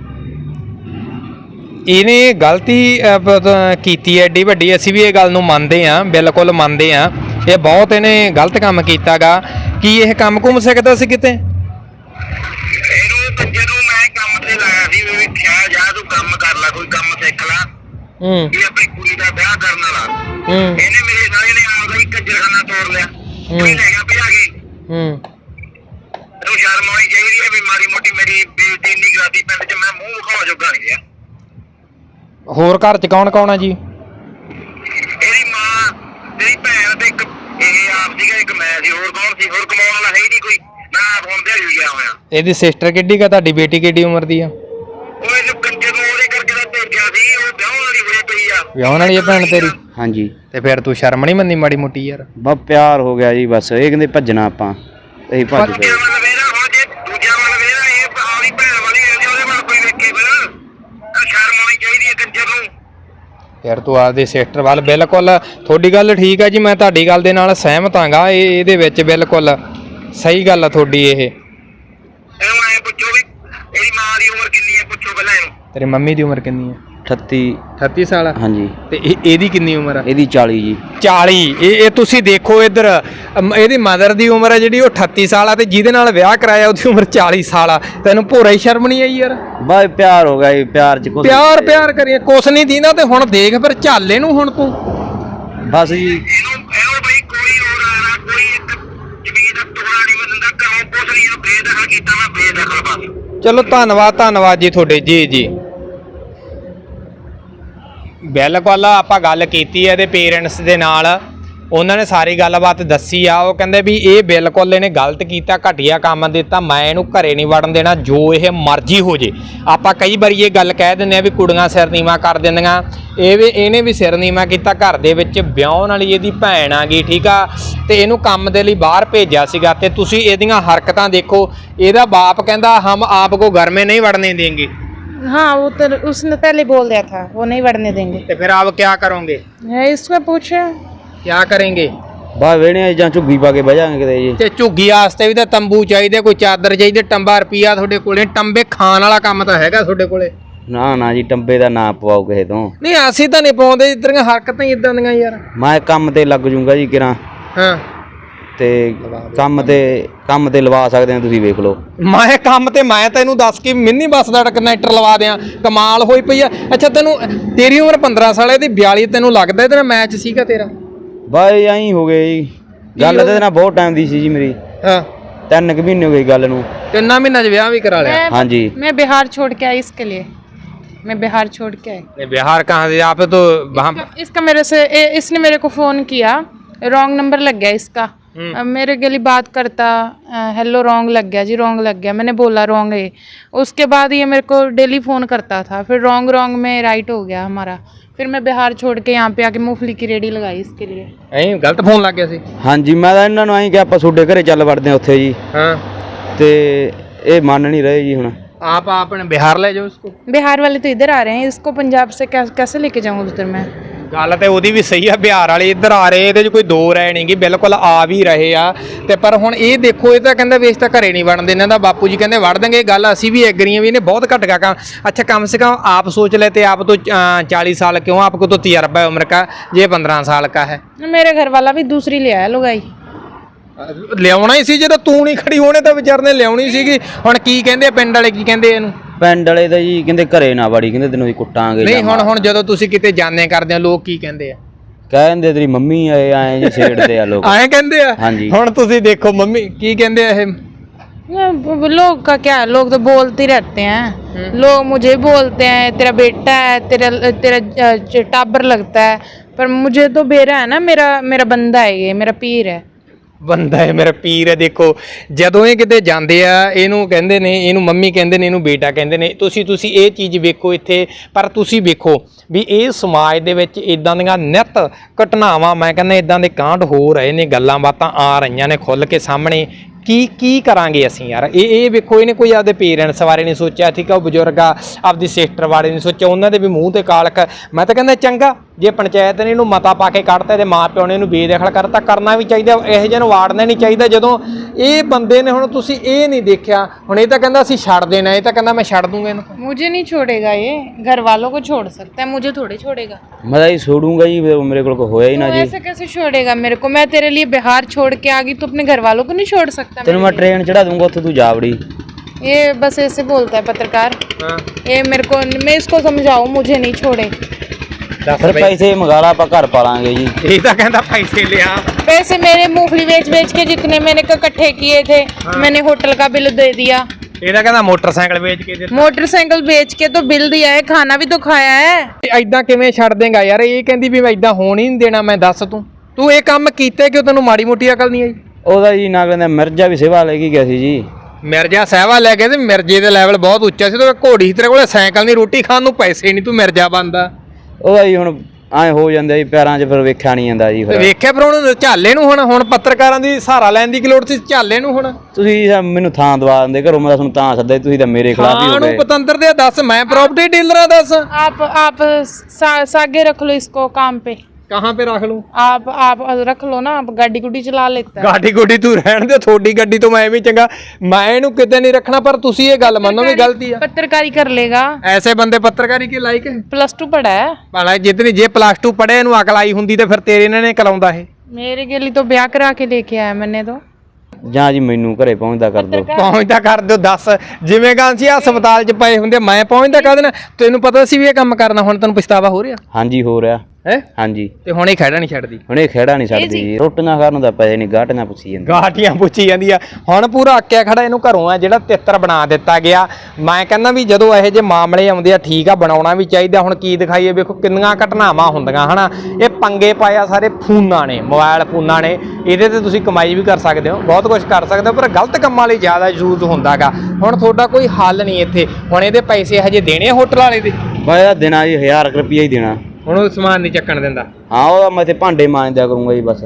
ਇਹਨੇ ਗਲਤੀ ਕੀਤੀ ਹੈ ਏਡੀ ਵੱਡੀ, ਅਸੀਂ ਵੀ ਇਹ ਗੱਲ ਨੂੰ ਮੰਨਦੇ ਹਾਂ, ਬਿਲਕੁਲ ਮੰਨਦੇ ਹਾਂ। ਇਹ ਬਹੁਤ ਇਹਨੇ ਗਲਤ ਕੰਮ ਕੀਤਾਗਾ। ਕੀ ਇਹ ਕੰਮ ਘੁੰਮ ਸਕਦਾ ਸੀ ਕਿਤੇ? ਇਹਨੂੰ ਕੰਜਰ ਨੂੰ ਮੈਂ ਕੰਮ ਤੇ ਲਾਇਆ ਸੀ ਵੀ ਵੇਖਿਆ ਜਾ ਤੂੰ ਕੰਮ ਕਰ ਲੈ, ਕੋਈ ਕੰਮ ਸਿੱਖ ਲੈ। ਇਹ ਆਪਣੀ ਕੁੜੀ ਦਾ ਵਿਆਹ ਕਰਨ ਵਾਲਾ। ਇਹਨੇ ਮੇਰੇ ਸਾਰੇ ਨੇ ਆਪਦਾ ਹੀ ਕੰਜਰਖਾਨਾ ਤੋੜ ਲਿਆ, ਕੋਈ ਲੈ ਗਿਆ ਭਜਾ ਕੇ। ਇਹਨੂੰ ਸ਼ਰਮ ਆਉਣੀ ਚਾਹੀਦੀ ਹੈ ਵੀ ਮਾੜੀ ਮੋਟੀ ਮੇਰੀ ਬੇਇੱਜ਼ਤੀ ਨਹੀਂ ਕਰਾਦੀ ਪਿੰਡ 'ਚ, ਮੈਂ ਮੂੰਹ ਵਿਖਾਉਣ ਜੋਗਾ ਨਹੀਂ ਗਿਆ। ਹੋਰ ਘਰ ਚ ਕੌਣ ਕੌਣ ਆ ਜੀ? ਇਹਦੀ ਮਾਂ, ਤੇਰੀ ਭੈਣ ਤੇ ਇੱਕ ਇਹ ਆਪ ਸੀਗਾ, ਇੱਕ ਮੈਂ ਸੀ। ਹੋਰ ਕੌਣ ਸੀ? ਹੋਰ ਕਮਾਉਣ ਵਾਲਾ ਹੈ ਹੀ ਨਹੀਂ ਕੋਈ। ਮੈਂ ਆਪ ਹੁਣ ਦਿਹਾੜੀ ਗਿਆ ਹੋਇਆ। ਇਹਦੀ ਸਿਸਟਰ ਕਿੱਡੀ ਕਾ? ਤੁਹਾਡੀ ਬੇਟੀ ਕਿੱਡੀ ਉਮਰ ਦੀ ਆ? ਉਹ ਇਹਨੂੰ ਕੰਜਰ ਨੂੰ ਉਹਦੇ ਕਰਕੇ ਤਾਂ ਭੇਜਿਆ ਸੀ, ਉਹ ਵਿਆਹਣ ਵਾਲੀ ਹੋਈ ਪਈ ਆ। ਵਿਆਹਣ ਵਾਲੀ ਆ ਭੈਣ ਤੇਰੀ? ਹਾਂਜੀ ਤੇ ਫਿਰ ਤੂੰ ਸ਼ਰਮ ਨਹੀਂ ਮੰਨੀ ਮਾੜੀ ਮੋਟੀ ਯਾਰ? ਬਸ ਪਿਆਰ ਹੋ ਗਿਆ ਜੀ, ਬਸ ਇਹ ਕਹਿੰਦੇ ਭੱਜਣਾ ਆਪਾਂ, ਅਸੀਂ ਭੱਜ ਗਏ। ਦੂਜਿਆਂ ਵੱਲ ਵੇਰਾ, ਹੁਣ ਜੇ ਦੂਜਿਆਂ ਵੱਲ ਵੇਰਾ, ਇਹ ਆਪਣੀ ਭੈਣ ਵਾਲੀ ਹੈ, ਉਹਦੇ ਵੱਲ ਕੋਈ ਵੇਖੇ ਫਿਰ। ਸ਼ਰਮ ਆਉਣੀ ਚਾਹੀਦੀ ਹੈ ਕੰਜਰ ਨੂੰ। ਯਾਰ ਤੂੰ ਆਪਦੇ ਸਿਸਟਰ ਵੱਲ, ਬਿਲਕੁਲ ਤੁਹਾਡੀ ਗੱਲ ਠੀਕ ਆ ਜੀ, ਮੈਂ ਤੁਹਾਡੀ ਗੱਲ ਦੇ ਨਾਲ ਸਹਿਮਤ ਹਾਂਗਾ। ਇਹਦੇ ਵਿੱਚ ਬਿਲਕੁਲ ਸਹੀ ਗੱਲ ਆ ਤੁਹਾਡੀ। ਇਹ ਇਹਨੂੰ ਐ ਪੁੱਛੋ ਵੀ ਇਹਦੀ ਮਾਂ ਦੀ ਉਮਰ ਕਿੰਨੀ ਹੈ, ਪੁੱਛੋ ਪਹਿਲਾਂ ਇਹਨੂੰ। ਤੇਰੀ ਮੰਮੀ ਦੀ ਉਮਰ ਕਿੰਨੀ ਆ? 38 ਸਾਲ। ਹਾਂਜੀ। ਤੇ ਇਹਦੀ ਕਿੰਨੀ ਉਮਰ ਆ? ਇਹਦੀ 40 ਜੀ। 40। ਇਹ ਤੁਸੀਂ ਦੇਖੋ ਇੱਧਰ, ਇਹਦੀ ਮਦਰ ਦੀ ਉਮਰ ਹੈ ਜਿਹੜੀ ਉਹ 38 ਸਾਲ ਆ, ਤੇ ਜਿਹਦੇ ਨਾਲ ਵਿਆਹ ਕਰਾਇਆ ਉਹਦੀ ਉਮਰ 40 ਸਾਲ ਆ। ਤੈਨੂੰ ਭੋਰਾ ਹੀ ਸ਼ਰਮ ਨਹੀਂ ਆਈ ਯਾਰ? ਬਸ ਪਿਆਰ ਹੋ ਗਿਆ ਜੀ, ਪਿਆਰ ਚ ਕੁਛ ਪਿਆਰ ਕਰੀਏ, ਕੁਛ ਨਹੀਂ ਦੀਂਦਾ। ਤੇ ਹੁਣ ਦੇਖ ਫਿਰ ਝੱਲ ਇਹਨੂੰ ਹੁਣ ਤੂੰ। ਬਸ ਜੀ ਇਹਨੂੰ ਬਈ ਕੋਈ ਹੋਰ ਆਣਾ, ਕੋਈ ਇੱਕ ਜ਼ਮੀਨ ਦਾ ਟੁਕੜਾ ਨਹੀਂ ਬੰਦਾ ਘਰੋਂ, ਕੁਛ ਨਹੀਂ। ਇਹਨੂੰ ਬੇਦਖਲ ਕੀਤਾ, ਮੈਂ ਬੇਦਖਲ ਬਸ। ਚਲੋ ਧੰਨਵਾਦ ਜੀ ਤੁਹਾਡੇ। ਜੀ ਬਿਲਕੁਲ ਆਪਾਂ ਗੱਲ ਕੀਤੀ ਹੈ ਇਹਦੇ ਪੇਰੈਂਟਸ ਦੇ ਨਾਲ, ਉਹਨਾਂ ਨੇ ਸਾਰੀ ਗੱਲਬਾਤ ਦੱਸੀ ਆ। ਉਹ ਕਹਿੰਦੇ ਵੀ ਇਹ ਬਿਲਕੁਲ ਇਹਨੇ ਗਲਤ ਕੀਤਾ, ਘਟੀਆ ਕੰਮ ਦਿੱਤਾ, ਮੈਂ ਇਹਨੂੰ ਘਰੇ ਨਹੀਂ ਵੜਨ ਦੇਣਾ, ਜੋ ਇਹ ਮਰਜ਼ੀ ਹੋ ਜੇ। ਆਪਾਂ ਕਈ ਵਾਰੀ ਇਹ ਗੱਲ ਕਹਿ ਦਿੰਦੇ ਆ ਵੀ ਕੁੜੀਆਂ ਸਿਰ ਨੀਵਾਂ ਕਰ ਦਿੰਦੀਆਂ, ਇਹਨੇ ਵੀ ਸਿਰ ਨੀਵਾਂ ਕੀਤਾ। ਘਰ ਦੇ ਵਿੱਚ ਵਿਆਹੁਣ ਵਾਲੀ ਇਹਦੀ ਭੈਣ ਆ ਗਈ, ਠੀਕ ਆ, ਤੇ ਇਹਨੂੰ ਕੰਮ ਦੇ ਲਈ ਬਾਹਰ ਭੇਜਿਆ ਸੀਗਾ। ਤੇ ਤੁਸੀਂ ਇਹਦੀਆਂ ਹਰਕਤਾਂ ਦੇਖੋ। ਇਹਦਾ ਬਾਪ ਕਹਿੰਦਾ ਹਮ ਆਪ ਕੋ ਘਰ में नहीं बढ़ने देंगे। हाँ वो तो उसने पहले बोल दिया था वो नहीं बढ़ने देंगे। तो फिर आप क्या करोगे? इसको पूछे क्या करेंगे? ਬਸ ਵੇਣੇ ਜਾਂ ਝੁੱਗੀ ਪਾ ਕੇ ਬਹਿ ਜਾਾਂਗੇ ਕਿਤੇ ਜੀ। ਤੇ ਝੁੱਗੀ ਵਾਸਤੇ ਵੀ ਤਾਂ ਤੰਬੂ ਚਾਹੀਦੇ, ਕੋਈ ਚਾਦਰ ਚਾਹੀਦੀ, ਟੰਬਾ ਰੁਪਈਆ ਤੁਹਾਡੇ ਕੋਲੇ? ਟੰਬੇ ਖਾਣ ਵਾਲਾ ਕੰਮ ਤਾਂ ਹੈਗਾ ਤੁਹਾਡੇ ਕੋਲੇ? ਨਾ ਜੀ, ਟੰਬੇ ਦਾ ਨਾ ਪਵਾਓ ਕਿਸੇ ਤੋਂ। ਨਹੀਂ ਅਸੀਂ ਤਾਂ ਨਹੀਂ ਪਾਉਂਦੇ, ਇਤਰੀਆਂ ਹਰਕਤਾਂ ਹੀ ਇਦਾਂ ਦੀਆਂ ਯਾਰ। ਮੈਂ ਕੰਮ ਤੇ ਲੱਗ ਜੂੰਗਾ ਜੀ ਕਿਰਾਂ। ਹਾਂ ਤੇ ਕੰਮ ਤੇ ਲਵਾ ਸਕਦੇ ਆ, ਤੁਸੀਂ ਵੇਖ ਲਓ। ਮੈਂ ਕੰਮ ਤੇ ਮੈਂ ਤੈਨੂੰ ਦੱਸ ਕੇ ਮਿੰਨੀ ਬੱਸ ਦਾ ਕਨੈਕਟਰ ਲਵਾ ਦਿਆਂ, ਕਮਾਲ ਹੋਈ ਪਈ ਆ। ਅੱਛਾ ਤੇਰੀ ਉਮਰ 15 ਸਾਲ ਹੈ, ਇਹਦੀ 42। ਤੈਨੂੰ ਲੱਗਦਾ ਇਹਦੇ ਨਾਲ ਮੈਚ ਸੀਗਾ ਤੇਰਾ? ਬਾਈ ਐਂ ਹੋ ਗਏ ਜੀ, ਗੱਲ ਇਹਦੇ ਨਾਲ ਬਹੁਤ ਟਾਈਮ ਦੀ ਸੀ ਜੀ ਮੇਰੀ। ਹਾਂ 3 ਮਹੀਨੇ ਹੋ ਗਏ ਗੱਲ ਨੂੰ। 3 ਮਹੀਨਿਆਂ 'ਚ ਵਿਆਹ ਵੀ ਕਰਾ लिया? हाँ जी। मैं बिहार छोड़ के आई, इसके लिए मैं बिहार छोड़ के आई। बिहार कहाँ से? आप तो इसका मेरे से इसने मेरे को फ़ोन किया, रॉन्ग नंबर लग गया इसका। मेरे गली बात करता, हेलो रॉन्ग लग गया जी, रॉन्ग लग गया। मैंने बोला रॉन्ग है। उसके बाद ये मेरे को डेली फ़ोन करता था, फिर रॉन्ग में राइट हो गया हमारा। फिर मैं बिहार छोड़ के यहाँ पे आके मूंगफली की रेडी लगाई इसके लिए। ਐਂ ਗਲਤ ਫੋਨ ਲੱਗ ਗਿਆ ਸੀ? ਹਾਂਜੀ, ਮੈਂ ਤਾਂ ਇਹਨਾਂ ਨੂੰ ਐਂ ਕਿ ਆਪਾਂ ਤੁਹਾਡੇ ਘਰੇ ਚੱਲ ਵੜਦੇ ਆ ਉੱਥੇ ਜੀ। ਹਾਂ ਤੇ ਇਹ ਮੰਨ ਨਹੀਂ ਰਹੇ ਜੀ। ਹੁਣ आप अपने बिहार ले जाओ इसको। बिहार वाले तो इधर आ रहे हैं, इसको पंजाब से कैसे लेके जाऊँ उधर मैं? ਗੱਲ ਤੇ ਉਹਦੀ ਵੀ ਸਹੀ ਆ, ਬਿਹਾਰ ਵਾਲੇ ਇੱਧਰ ਆ ਰਹੇ, ਇਹਦੇ 'ਚ ਕੋਈ ਦੋ ਰਾਏ ਨਹੀਂ ਗੀ, ਬਿਲਕੁਲ ਆ ਵੀ ਰਹੇ ਆ। ਤੇ ਪਰ ਹੁਣ ਇਹ ਦੇਖੋ, ਇਹ ਤਾਂ ਕਹਿੰਦਾ ਵੇਚ ਤਾਂ ਘਰੇ ਨਹੀਂ ਵੜਨ ਦੇ, ਇਹਨਾਂ ਦਾ ਬਾਪੂ ਜੀ ਕਹਿੰਦੇ ਵੜ ਦੇਂਗੇ। ਗੱਲ ਅਸੀਂ ਵੀ ਐਗਰੀ ਆ ਵੀ ਇਹਨੇ ਬਹੁਤ ਘੱਟ ਗਾ ਕੰਮ। अच्छा कम से कम आप सोच लेते, आप तो 40 साल क्यों, आपको तो तजर्बा है उम्र का, ये 15 साल का है। मेरे घर वाला भी दूसरी ले आया लुगाई। ਲਿਆਉਣਾ ਹੀ ਸੀ, ਜਦੋਂ ਤੂੰ ਨਹੀਂ ਖੜੀ ਹੋਣੇ ਤਾਂ ਵਿਚਾਰ ਨੇ ਲਿਆਉਣੀ ਸੀਗੀ। ਹੁਣ ਕੀ ਕਹਿੰਦੇ ਪਿੰਡ ਵਾਲੇ, ਕੀ ਕਹਿੰਦੇ ਇਹਨੂੰ? ਪਿੰਡ ਵਾਲੇ ਤਾਂ ਜੀ ਕਹਿੰਦੇ ਘਰੇ ਨਾ ਵੜੀ, ਕਹਿੰਦੇ ਤੈਨੂੰ ਅਸੀਂ ਕੁੱਟਾਂਗੇ। ਨਹੀਂ ਹੁਣ ਜਦੋਂ ਤੁਸੀਂ ਕਿਤੇ ਜਾਣੇ ਕਰਦੇ ਹੋ, ਲੋਕ ਕੀ ਕਹਿੰਦੇ ਆ? ਕਹਿੰਦੇ ਤੇਰੀ ਮੰਮੀ ਐ ਜੀ ਛੇੜਦੇ ਆ ਲੋਕ ਐਂ ਕਹਿੰਦੇ ਆ। ਹਾਂਜੀ। ਹੁਣ ਤੁਸੀਂ ਦੇਖੋ ਮੰਮੀ ਕੀ ਕਹਿੰਦੇ ਆ ਇਹ। लोग का क्या, लोग तो बोलते ही रहते हैं, लोग मुझे बोलते हैं तेरा बेटा है, तेरा टाबर लगता है, पर मुझे तो बेरा है ना, मेरा बंदा है, ये मेरा पीर है। ਬੰਦਾ ਹੈ ਮੇਰਾ ਪੀਰ ਹੈ। ਦੇਖੋ ਜਦੋਂ ਇਹ ਕਿਤੇ ਜਾਂਦੇ ਆ ਇਹਨੂੰ ਕਹਿੰਦੇ ਨੇ, ਇਹਨੂੰ ਮੰਮੀ ਕਹਿੰਦੇ ਨੇ, ਇਹਨੂੰ ਬੇਟਾ ਕਹਿੰਦੇ ਨੇ। ਤੁਸੀਂ ਇਹ ਚੀਜ਼ ਵੇਖੋ ਇੱਥੇ। ਪਰ ਤੁਸੀਂ ਵੇਖੋ ਵੀ ਇਹ ਸਮਾਜ ਦੇ ਵਿੱਚ ਇਦਾਂ ਦੀਆਂ ਨਿੱਤ ਘਟਨਾਵਾਂ, ਮੈਂ ਕਹਿੰਦਾ ਇਦਾਂ ਦੇ ਕਾਂਡ ਹੋ ਰਹੇ ਨੇ, ਗੱਲਾਂ ਬਾਤਾਂ ਆ ਰਹੀਆਂ ਨੇ ਖੁੱਲ੍ਹ ਕੇ ਸਾਹਮਣੇ। ਕੀ ਕਰਾਂਗੇ ਅਸੀਂ ਯਾਰ। ਇਹ ਵੇਖੋ ਇਹਨੇ ਕੋਈ ਆਪਦੇ ਪੇਰੈਂਟਸ ਬਾਰੇ ਨਹੀਂ ਸੋਚਿਆ, ਠੀਕ ਆ, ਉਹ ਬਜ਼ੁਰਗ ਆ, ਆਪਦੀ ਸਿਸਟਰ ਬਾਰੇ ਨਹੀਂ ਸੋਚਿਆ, ਉਹਨਾਂ ਦੇ ਵੀ ਮੂੰਹ ਤੇ ਕਾਲਕ। ਮੈਂ ਤਾਂ ਕਹਿੰਦਾ ਚੰਗਾ ਜੇ ਪੰਚਾਇਤ ਨੇ ਇਹਨੂੰ ਮਤਾ ਪਾ ਕੇ ਕੱਢਤਾ, ਇਹਦੇ ਮਾਂ ਪਿਓ ਨੇ ਇਹਨੂੰ ਬੇਦਖਲ ਕਰਤਾ, ਕਰਨਾ ਵੀ ਚਾਹੀਦਾ, ਇਹੋ ਜਿਹੇ ਨੂੰ ਵਾੜਨਾ ਨਹੀਂ ਚਾਹੀਦਾ। ਜਦੋਂ ਇਹ ਬੰਦੇ ਨੇ, ਹੁਣ ਤੁਸੀਂ ਇਹ ਨਹੀਂ ਦੇਖਿਆ, ਹੁਣ ਇਹ ਤਾਂ ਕਹਿੰਦਾ ਅਸੀਂ ਛੱਡ ਦੇਣਾ, ਇਹ ਤਾਂ ਕਹਿੰਦਾ ਮੈਂ ਛੱਡ ਦੂੰਗਾ ਇਹਨੂੰ। मुझे नहीं छोड़ेगा ये, घर वालों को छोड़ सकता है, मुझे थोड़ी छोड़ेगा। मैं तो छोड़ूंगा जी, मेरे को होया ही ना जी। ऐसे कैसे छोड़ेगा मेरे को? मैं तेरे लिए बिहार छोड़ के आ गई तो अपने घर वालों को नहीं छोड़ सकता? तेन मैं ट्रेन चढ़ा दूंगा, तू जावड़ी। ये बस ऐसे बोलता है पत्रकार। ये मेरे को, मैं इसको समझाऊं, मुझे नहीं छोड़े। फिर पैसे मंगा ला, आप घर पालांगे जी। ਇਹ ਤਾਂ ਕਹਿੰਦਾ ਪੈਸੇ ਲਿਆ। पैसे मेरे मूंगफली बेच के जितने मैंने इकट्ठे किए थे, मैंने होटल का बिल दे दिया। ਇਹਦਾ ਕਹਿੰਦਾ ਮੋਟਰਸਾਈਕਲ ਵੇਚ ਕੇ ਦਿੱਤਾ। मोटरसाइकिल बेच के तो बिल दिया है, खाना भी तो खाया है। ਐਦਾਂ ਕਿਵੇਂ ਛੱਡ ਦੇਗਾ ਯਾਰ। ਇਹ ਕਹਿੰਦੀ ਵੀ ਮੈਂ ਐਦਾਂ ਹੋਣ ਹੀ ਨਹੀਂ ਦੇਣਾ। ਮੈਂ ਦੱਸ ਤੂੰ ਇਹ ਕੰਮ ਕੀਤੇ ਕਿ ਤੈਨੂੰ ਮਾੜੀ ਮੋਟੀ ਅਕਲ ਨਹੀਂ ਆਈ? ਉਹਦਾ ਜੀ ਨਾ ਕਹਿੰਦਾ ਮਿਰਜ਼ਾ ਵੀ ਸੇਵਾ ਲੈ ਕੇ ਗਿਆ ਸੀ ਜੀ। ਮਿਰਜ਼ਾ ਸਹਿਵਾ ਲੈ ਕੇ, ਤੇ ਮਿਰਜ਼ੇ ਦੇ ਲੈਵਲ ਬਹੁਤ ਉੱਚਾ ਸੀ। ਤੇ ਘੋੜੀ ਤੇਰੇ ਕੋਲੇ ਸਾਈਕਲ ਨਹੀਂ, ਰੋਟੀ ਖਾਣ ਨੂੰ ਪੈਸੇ ਨਹੀਂ, ਤੂੰ ਮਿਰਜ਼ਾ ਬਣਦਾ। ਉਹਦਾ ਜੀ ਹੁਣ ਐ ਹੋ ਜਾਂਦਾ ਜੀ ਪੈਰਾਂ 'ਚ, ਫਿਰ ਵੇਖਿਆ ਨਹੀਂ ਜਾਂਦਾ ਜੀ। ਫਿਰ ਵੇਖਿਆ ਫਿਰ ਹੁਣ ਝਾਲੇ ਨੂੰ, ਹੁਣ ਪੱਤਰਕਾਰਾਂ ਦੀ ਸਹਾਰਾ ਲੈਣ ਦੀ ਕੀ ਲੋੜ ਸੀ ਝਾਲੇ ਨੂੰ? ਹੁਣ ਤੁਸੀਂ ਮੈਨੂੰ ਥਾਂ ਦਵਾ ਦਿੰਦੇ ਘਰੋਂ, ਮੈਂ ਤੁਹਾਨੂੰ ਤਾਂ ਸੱਦਿਆ, ਤੁਸੀਂ ਤਾਂ ਮੇਰੇ ਖਿਲਾਫ ਹੀ ਹੋ ਨੂੰ ਗਏ। ਪਤੰਦਰ ਦੇ ਦੱਸ, ਮੈਂ ਪ੍ਰਾਪਰਟੀ ਡੀਲਰ ਆ, ਦੱਸ। आप सागे रख लो इसको काम पे। कहाँ पे रख लूं? आप रख लो ना, आप गाड़ी गुडी चला लेता है। गाड़ी गुडी तू रहन दे, थोड़ी गड्डी तो मैं भी चंगा, मैं इहनू किते नहीं रखना। पर तुसी ये गल मनो भी गलती है। पत्रकारी कर लेगा, ऐसे बंदे पत्रकारी के लायक है? +2 पढ़ा है भला जितनी जे +2 पढ़े इहनू अकल आई हुंदी ते फिर तेरे इन्हां ने कराउंदा है। मेरे के लिए तो ब्याह करा के लेके आया मैंने तो। ਜਾਂ ਜੀ ਮੈਨੂੰ ਘਰੇ ਪਹੁੰਚਦਾ ਕਰ ਦਿਓ। ਪਹੁੰਚਦਾ ਕਰ ਦਿਓ। ਦੱਸ ਜਿਵੇਂ ਗਾਂ ਸੀ ਹਸਪਤਾਲ 'ਚ ਪਏ ਹੁੰਦੇ, ਮੈਂ ਪਹੁੰਚਦਾ ਕਰ ਦੇਣਾ। ਤੈਨੂੰ ਪਤਾ ਸੀ ਵੀ ਇਹ ਕੰਮ ਕਰਨਾ, ਹੁਣ ਤੈਨੂੰ ਪਛਤਾਵਾ ਹੋ ਰਿਹਾ? ਹਾਂਜੀ ਹੋ ਰਿਹਾ ਹੈ। ਹਾਂਜੀ। ਤੇ ਹੁਣ ਇਹ ਖਹਿੜਾ ਨਹੀਂ ਛੱਡਦੀ, ਹੁਣ ਇਹ ਖੇੜਾ ਨਹੀਂ ਛੱਡਦੀ ਜੀ। ਰੋਟੀਆਂ ਖਾਣ ਨੂੰ ਤਾਂ ਪੈਸੇ ਨਹੀਂ, ਗਾਟੀਆਂ ਪੁੱਛੀ ਜਾਂਦੀ। ਗਾਟੀਆਂ ਪੁੱਛੀ ਜਾਂਦੀ ਆ। ਹੁਣ ਪੂਰਾ ਅੱਕਿਆ ਖੜਾ, ਇਹਨੂੰ ਘਰੋਂ ਆ ਜਿਹੜਾ ਤਿੱਤਰ ਬਣਾ ਦਿੱਤਾ ਗਿਆ। ਮੈਂ ਕਹਿੰਦਾ ਵੀ ਜਦੋਂ ਇਹੋ ਜਿਹੇ ਮਾਮਲੇ ਆਉਂਦੇ ਆ, ਠੀਕ ਆ, ਬਣਾਉਣਾ ਵੀ ਚਾਹੀਦਾ। ਹੁਣ ਕੀ ਦਿਖਾਈਏ, ਵੇਖੋ ਕਿੰਨੀਆਂ ਘਟਨਾਵਾਂ ਹੁੰਦੀਆਂ ਹਨਾ। ਇਹ ਪੰਗੇ ਪਾਇਆ ਸਾਰੇ ਫੋਨਾਂ ਨੇ, ਮੋਬਾਈਲ ਫੋਨਾਂ ਨੇ। ਇਹਦੇ ਤੇ ਤੁਸੀਂ ਕਮਾਈ ਵੀ ਕਰ ਸਕਦੇ ਹੋ, ਬਹੁਤ ਕੁਝ ਕਰ ਸਕਦੇ ਹੋ, ਪਰ ਗਲਤ ਕੰਮਾਂ ਲਈ ਜ਼ਿਆਦਾ ਯੂਜ਼ ਹੁੰਦਾਗਾ। ਹੁਣ ਤੁਹਾਡਾ ਕੋਈ ਹੱਲ ਨਹੀਂ ਇੱਥੇ। ਹੁਣ ਇਹਦੇ ਪੈਸੇ ਹਜੇ ਦੇਣੇ ਹੋਟਲ ਵਾਲੇ ਦੇ? ਬਾਇਆ ਦੇਣਾ ਜੀ 1000 ਰੁਪਈਆ ਹੀ ਦੇਣਾ। ਹੁਣ ਉਹ ਸਮਾਨ ਨਹੀਂ ਚੱਕਣ ਦਿੰਦਾ? ਹਾਂ, ਉਹਦਾ ਮੈਂ ਤੇ ਭਾਂਡੇ ਮਾਂਜ ਦਿਆ ਕਰੂੰਗਾ ਜੀ ਬਸ।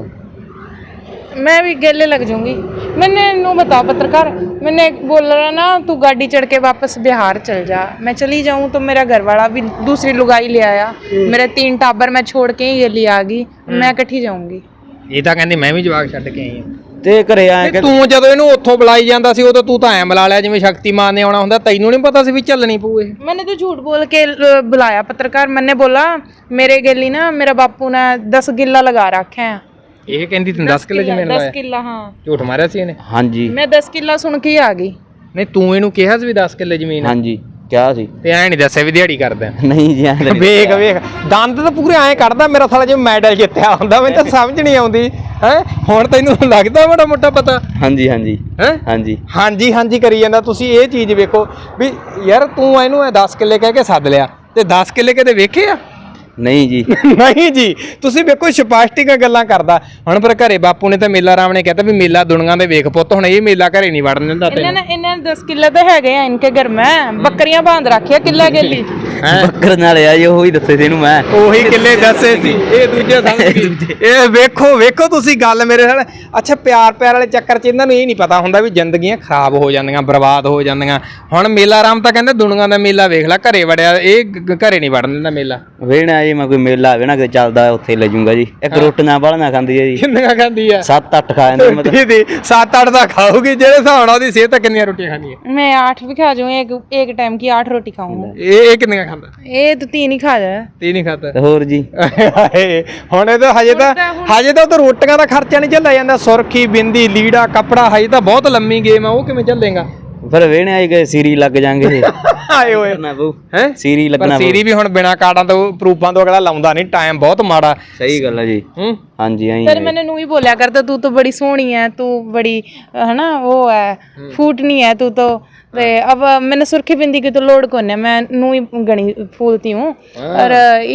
मैं भी गले लग जाऊंगी। मैंने नो बताओ पत्रकार, मैंने बोल रहा ना तू गाड़ी चढ़ के वापस बिहार चल जा। मैं चली जाऊं तो मेरा घर वाला भी दूसरी लुगाई ले आया, मेरे 3 टाबर मैं छोड़ के ये ले आ गई, मैं इकट्ठी जाऊंगी। ਇਹ ਤਾਂ ਕਹਿੰਦੀ ਮੈਂ ਵੀ ਜਵਾਕ ਛੱਡ ਕੇ ਆਈ ਹਾਂ। ਤੇ ਘਰੇ ਆਏ ਕਿ ਤੂੰ ਜਦੋਂ ਇਹਨੂੰ ਉੱਥੋਂ ਬੁਲਾਈ ਜਾਂਦਾ ਸੀ, ਉਦੋਂ ਤੂੰ ਤਾਂ ਐਂ ਬੁਲਾ ਲਿਆ ਜਿਵੇਂ ਸ਼ਕਤੀਮਾਨ ਨੇ ਆਉਣਾ ਹੁੰਦਾ। ਤੈਨੂੰ ਨਹੀਂ ਪਤਾ ਸੀ ਵੀ ਚੱਲਣੀ ਪਊ ਇਹ? मैंने तो झूठ बोल के बुलाया पत्रकार। मैंने बोला मेरे गली ना मेरा बापू ने 10 किला लगा रखे हैं। ਇਹ ਕਹਿੰਦੀ ਤੈਨੂੰ 10 ਕਿੱਲੇ ਜ਼ਮੀਨ 10 ਲਾਇਆ? किला, हाँ। ਝੂਠ ਮਾਰਿਆ ਸੀ ਇਹਨੇ? ਹਾਂਜੀ। मैं 10 किला सुन के ही आ गई। ਨਹੀਂ ਤੂੰ ਇਹਨੂੰ ਕਿਹਾ ਸੀ ਵੀ 10 ਕਿੱਲੇ ਜ਼ਮੀਨ ਆ? ਹਾਂਜੀ ਕਿਹਾ ਸੀ। ਤੇ ਐਂ ਨਹੀਂ ਦੱਸਿਆ ਵੀ ਦਿਹਾੜੀ ਕਰਦਾ? ਨਹੀਂ ਜੀ, ਐਂ ਵੇਖ ਵੇਖ ਦੰਦ ਤਾਂ ਪੂਰੇ ਐਂ ਕੱਢਦਾ ਮੇਰਾ ਸਾਲਾ, ਜਿਵੇਂ ਮੈਡਲ ਜਿੱਤਿਆ ਹੁੰਦਾ। ਮੈਨੂੰ ਤਾਂ ਸਮਝ ਨਹੀਂ ਆਉਂਦੀ ਹੈ। ਹੁਣ ਤੈਨੂੰ ਲੱਗਦਾ ਬੜਾ ਮੋਟਾ ਪਤਾ? ਹਾਂਜੀ ਹਾਂਜੀ ਹੈ। ਹਾਂਜੀ ਹਾਂਜੀ ਹਾਂਜੀ ਕਰੀ ਜਾਂਦਾ। ਤੁਸੀਂ ਇਹ ਚੀਜ਼ ਵੇਖੋ ਵੀ ਯਾਰ ਤੂੰ ਇਹਨੂੰ 10 ਕਿੱਲੇ ਕਹਿ ਕੇ ਸੱਦ ਲਿਆ, ਤੇ 10 ਕਿੱਲੇ ਕਦੇ ਵੇਖੇ ਆ? ਨਹੀਂ ਜੀ। ਨਹੀਂ ਜੀ, ਤੁਸੀਂ ਵੇਖੋ ਸਪਸ਼ਟੀਆਂ ਗੱਲਾਂ ਕਰਦਾ। ਹੁਣ ਪਰ ਘਰੇ ਬਾਪੂ ਨੇ ਤਾਂ ਮੇਲਾ ਰਾਮ ਨੇ कहता ਵੀ ਮੇਲਾ ਦੁਨੀਆ ਦੇ ਵੇਖ ਪੁੱਤ। ਹੁਣ ਇਹ ਮੇਲਾ ਘਰੇ ਨਹੀਂ ਵੜਨ ਦਿੰਦਾ ਤੈਨੂੰ। इन्हें 10 किले तो है इनके घर में, बकरियां बांध रखी है किला गेली। ਬੱਕਰ ਨਾਲ ਆ ਜੀ, ਉਹੀ ਦੱਸੇ ਸੀ ਇਹਨੂੰ ਮੈਂ। ਉਹੀ ਕਿੱਲੇ ਦੱਸੇ ਸੀ, ਇਹ ਦੂਜੇ ਸਮਝ ਗਈ। ਇਹ ਵੇਖੋ ਤੁਸੀਂ ਗੱਲ ਮੇਰੇ ਨਾਲ। ਅੱਛਾ ਪਿਆਰ ਵਾਲੇ ਚੱਕਰ 'ਚ ਇਹਨਾਂ ਨੂੰ ਇਹ ਨਹੀਂ ਪਤਾ ਹੁੰਦਾ ਵੀ ਜ਼ਿੰਦਗੀਆਂ ਖਰਾਬ ਹੋ ਜਾਂਦੀਆਂ, ਬਰਬਾਦ ਹੋ ਜਾਂਦੀਆਂ। ਹੁਣ ਮੇਲਾ ਰਾਮ ਤਾਂ ਕਹਿੰਦਾ ਦੁਨੀਆ ਦਾ ਮੇਲਾ ਵੇਖ ਲੈ, ਘਰੇ ਵੜਿਆ। ਇਹ ਘਰੇ ਨਹੀਂ ਵੜਨ ਦਿੰਦਾ ਮੇਲਾ। ਵੇਣਾ ਜੀ, ਮੈਂ ਕੋਈ ਮੇਲਾ ਆਵੇ ਨਾ ਕਿਤੇ ਚੱਲਦਾ, ਉੱਥੇ ਲੈ ਜਾਊਂਗਾ ਜੀ। ਇੱਕ ਰੋਟੀਆਂ ਵਾਲੀਆਂ ਖਾਂਦੀ ਹੈ ਜੀ। ਕਿੰਨੀਆਂ ਖਾਂਦੀ ਆ? 7-8 ਖਾ ਜਾਂਦੀ ਮਤਲਬ। 7-8 ਤਾਂ ਖਾਊਗੀ। ਜਿਹੜੇ ਹਿਸਾਬ ਨਾਲ ਉਹਦੀ ਸਿਹਤ, ਕਿੰਨੀਆਂ ਰੋਟੀਆਂ ਖਾਣੀ ਹੈ? मैं 8 भी खा जाऊँ, एक टाइम की 8 रोटी खाऊंगा। ਇਹ ਕਿੰਨੀਆਂ ਖਾਂਦਾ? ये तो 3 ही खा जाए। 3 ਹੀ ਖਾਂਦਾ? ਤੇ ਹੋਰ ਜੀ। ਹੁਣ ਇਹ ਤਾਂ ਹਜੇ ਤਾਂ ਉਹ ਰੋਟੀਆਂ ਦਾ ਖਰਚਾ ਨਹੀਂ ਝੱਲਿਆ ਜਾਂਦਾ। ਸੁਰਖੀ, ਬਿੰਦੀ, ਲੀੜਾ, ਕੱਪੜਾ, ਹਜੇ ਤਾਂ ਬਹੁਤ ਲੰਮੀ ਗੇਮ ਆ। ਉਹ ਕਿਵੇਂ ਝੱਲੇਗਾ? ਫਿਰ ਵੇਹਣੇ ਆਈ ਗਏ ਸੀਰੀ ਲੱਗ ਜਾਾਂਗੇ ਆਏ ਓਏ ਨਾ ਬੂ ਹੈ ਸੀਰੀ ਲੱਗਣਾ ਸੀਰੀ ਵੀ ਹੁਣ ਬਿਨਾ ਕਾਰਡਾਂ ਤੋਂ ਪ੍ਰੂਫਾਂ ਤੋਂ ਅਗਲਾ ਲਾਉਂਦਾ ਨਹੀਂ ਟਾਈਮ ਬਹੁਤ ਮਾੜਾ ਸਹੀ ਗੱਲ ਹੈ ਜੀ ਹਾਂਜੀ ਆਈ फिर मैंने नू ही बोलिया करता तू तो बड़ी सोहनी है तू बड़ी है ना वो है फूटनी है तू तो अब मैंने सुर्खी बिंदी की तो लोड कोने मैं नू ही गणी फूलती हूँ और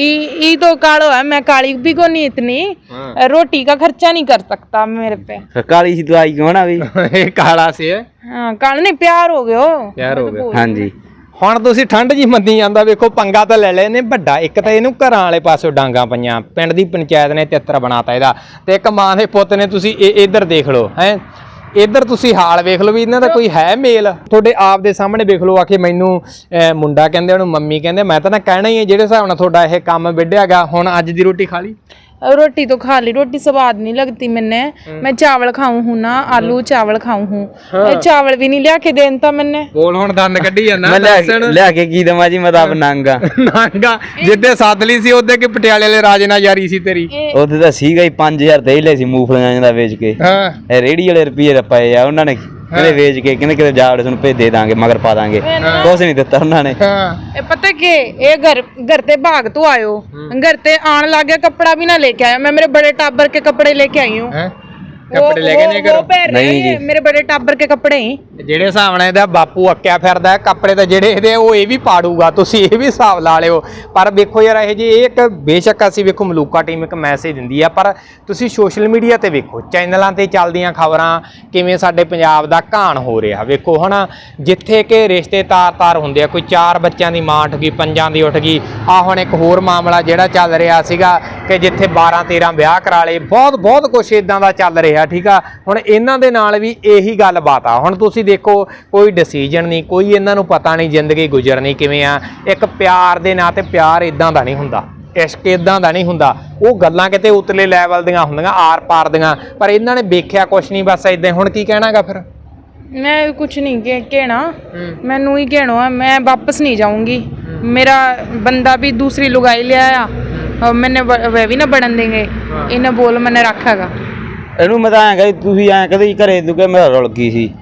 ई तो कालो है मैं काली भी को नहीं इतनी रोटी का खर्चा नहीं कर सकता मेरे पे काली सी दवाई क्यों ना भी ਇਹ ਕਾਲਾ ਸੀ हाँ काला नहीं प्यार हो गयो ਪਿਆਰ ਹੋ ਗਿਆ हाँ जी ਹੁਣ ਤੁਸੀਂ ਠੰਡ ਜੀ ਮੰਨੀ ਜਾਂਦਾ ਵੇਖੋ ਪੰਗਾ ਤਾਂ ਲੈ ਲਏ ਨੇ ਵੱਡਾ ਇੱਕ ਤਾਂ ਇਹਨੂੰ ਘਰਾਂ ਵਾਲੇ ਪਾਸੋਂ ਡਾਂਗਾ ਪਈਆਂ ਪਿੰਡ ਦੀ ਪੰਚਾਇਤ ਨੇ ਤਿੱਤਰ ਬਣਾਤਾ ਇਹਦਾ ਤੇ ਇੱਕ ਮਾਂ ਦੇ ਪੁੱਤ ਨੇ ਤੁਸੀਂ ਇੱਧਰ ਦੇਖ ਲਓ ਹੈ ਇੱਧਰ ਤੁਸੀਂ ਹਾਲ ਵੇਖ ਲਓ ਵੀ ਇਹਨਾਂ ਦਾ ਕੋਈ ਹੈ ਮੇਲ ਤੁਹਾਡੇ ਆਪ ਦੇ ਸਾਹਮਣੇ ਵੇਖ ਲਓ ਆਖੇ ਮੈਨੂੰ ਮੁੰਡਾ ਕਹਿੰਦੇ ਉਹਨੂੰ ਮੰਮੀ ਕਹਿੰਦੇ ਮੈਂ ਤਾਂ ਨਾ ਕਹਿਣਾ ਹੀ ਹੈ ਜਿਹੜੇ ਹਿਸਾਬ ਨਾਲ ਤੁਹਾਡਾ ਇਹ ਕੰਮ ਵਿੱਢਿਆਗਾ ਹੁਣ ਅੱਜ ਦੀ ਰੋਟੀ ਖਾ ਲਈ रोटी तो खा ली रोटी स्वाद नहीं लगती मैंने मैं चावल खाऊं हूं ना आलू चावल खाऊं हूं चावल भी नहीं लिया के देनता मैंने ਬੋਲ ਹੁਣ ਦੰਦ ਕੱਢੀ ਜਾਂਦਾ ਮੈਂ ਲਿਆ ਕੇ ਕੀ ਦਵਾਂ ਜੀ ਮੈਂ ਤਾਂ ਆਪ ਨਾਂਗਾ ਨਾਂਗਾ ਜਿੱਦੇ ਸੱਦ ਲਈ ਸੀ ਉਹਦੇ ਕਿ ਪਟਿਆਲੇ ਵਾਲੇ ਰਾਜੇ ਨਾਲ ਯਾਰੀ ਸੀ ਤੇਰੀ ਉਹਦੇ ਤਾਂ ਸੀਗਾ ਹੀ 5000 ਤੇ ਹੀ ਲੈ ਸੀ ਮੂੰਗਫਲੀਆਂ ਦਾ ਵੇਚ ਕੇ ਹਾਂ ਇਹ ਰੇੜੀ ਵਾਲੇ ਰੁਪਏ ਪਏ ਆ ਉਹਨਾਂ ਨੇ ਕਹਿੰਦੇ ਵੇਚ ਕੇ ਕਹਿੰਦੇ ਕਿਤੇ ਜਾ ਵੜੇ ਤੁਹਾਨੂੰ ਭੇਜ ਦੇ ਦਾਂਗੇ ਮਗਰ ਪਾ ਦਾਂਗੇ ਕੁਛ ਨਹੀਂ ਦਿੱਤਾ ਉਹਨਾਂ ਨੇ ਇਹ ਪਤਾ ਕਿ ਇਹ ਘਰ ਤੇ ਭਾਗ ਤੋਂ ਆਇਓ घर ते आन लग गया कपड़ा भी ना लेके आया मैं मेरे बड़े टाबर के कपड़े लेके आई हूँ ਕੱਪੜੇ ਲੈ ਕੇ ਨਹੀਂ ਕਰੋ नहीं मेरे बड़े टाबर के कपड़े ही ਜਿਹੜੇ ਹਿਸਾਬ ਨਾਲ ਇਹਦਾ ਬਾਪੂ ਅੱਕਿਆ ਫਿਰਦਾ ਕੱਪੜੇ ਤਾਂ ਜਿਹੜੇ ਇਹਦੇ ਉਹ ਇਹ ਵੀ ਪਾੜੂਗਾ ਤੁਸੀਂ ਇਹ ਵੀ ਹਿਸਾਬ ਲਾ ਲਿਓ ਪਰ ਵੇਖੋ ਯਾਰ ਇਹ ਜੀ ਇਹ ਇੱਕ ਬੇਸ਼ੱਕ ਅਸੀਂ ਵੇਖੋ ਮਲੂਕਾ ਟੀਮ ਇੱਕ ਮੈਸੇਜ ਦਿੰਦੀ ਆ ਪਰ ਤੁਸੀਂ ਸੋਸ਼ਲ ਮੀਡੀਆ ਤੇ ਵੇਖੋ ਚੈਨਲਾਂ ਤੇ ਚੱਲਦੀਆਂ ਖਬਰਾਂ ਕਿਵੇਂ ਸਾਡੇ ਪੰਜਾਬ ਦਾ ਘਾਣ ਹੋ ਰਿਹਾ ਵੇਖੋ ਹਨਾ ਜਿੱਥੇ ਕਿ ਰਿਸ਼ਤੇ ਤਾਰ ਹੁੰਦੇ ਆ ਕੋਈ 4 ਬੱਚਿਆਂ ਦੀ ਮਾਂ ਉੱਠ ਗਈ 5 ਦੀ ਉੱਠ ਗਈ ਆ ਹੁਣ ਇੱਕ ਹੋਰ ਮਾਮਲਾ ਜਿਹੜਾ ਚੱਲ ਰਿਹਾ ਸੀਗਾ ਕਿ ਜਿੱਥੇ 12-13 ਵਿਆਹ ਕਰਾ ਲਏ ਬਹੁਤ ਕੁਛ ਇਦਾਂ ਦਾ ਚੱਲ ਰਿਹਾ ਠੀਕ ਆ ਹੁਣ ਇਹਨਾਂ ਦੇ ਨਾਲ ਵੀ ਇਹੀ ਗੱਲਬਾਤ ਆ ਹੁਣ ਤੁਸੀਂ ਦੇਖੋ ਕੋਈ ਡਿਸੀਜਨ ਨਹੀਂ ਕੋਈ ਇਹਨਾਂ ਨੂੰ ਪਤਾ ਨਹੀਂ ਜ਼ਿੰਦਗੀ ਗੁਜ਼ਰਨੀ ਕਿਵੇਂ ਆ ਇੱਕ ਪਿਆਰ ਦੇ ਨਾਂ ਤੇ ਪਿਆਰ ਇਦਾਂ ਦਾ ਨਹੀਂ ਹੁੰਦਾ ਇਸ਼ਕ ਇਦਾਂ ਦਾ ਨਹੀਂ ਹੁੰਦਾ ਉਹ ਗੱਲਾਂ ਕਿਤੇ ਉਤਲੇ ਲੈਵਲ ਦੀਆਂ ਹੁੰਦੀਆਂ ਆਰ ਪਾਰ ਦੀਆਂ ਪਰ ਇਹਨਾਂ ਨੇ ਵੇਖਿਆ ਕੁਛ ਨਹੀਂ ਬਸ ਇਦਾਂ ਹੁਣ ਕੀ ਕਹਿਣਾਗਾ ਫਿਰ मैं कुछ नहीं कहना मैनू ही कहना है मैं वापस नहीं जाऊंगी मेरा बंदा भी दूसरी लुगाई ले आया और मैंने वह भी ना बढ़न देंगे इन्हें बोल मैंने रखा गा ਇਹਨੂੰ ਮੈਂ ਤਾਂ ਐਂ ਕਹੀ ਤੁਸੀਂ ਐਂ ਕਹਦੇ ਘਰੇ ਤੂੰ ਕਿ ਮੇਰਾ ਰੁਲ ਗਈ ਸੀ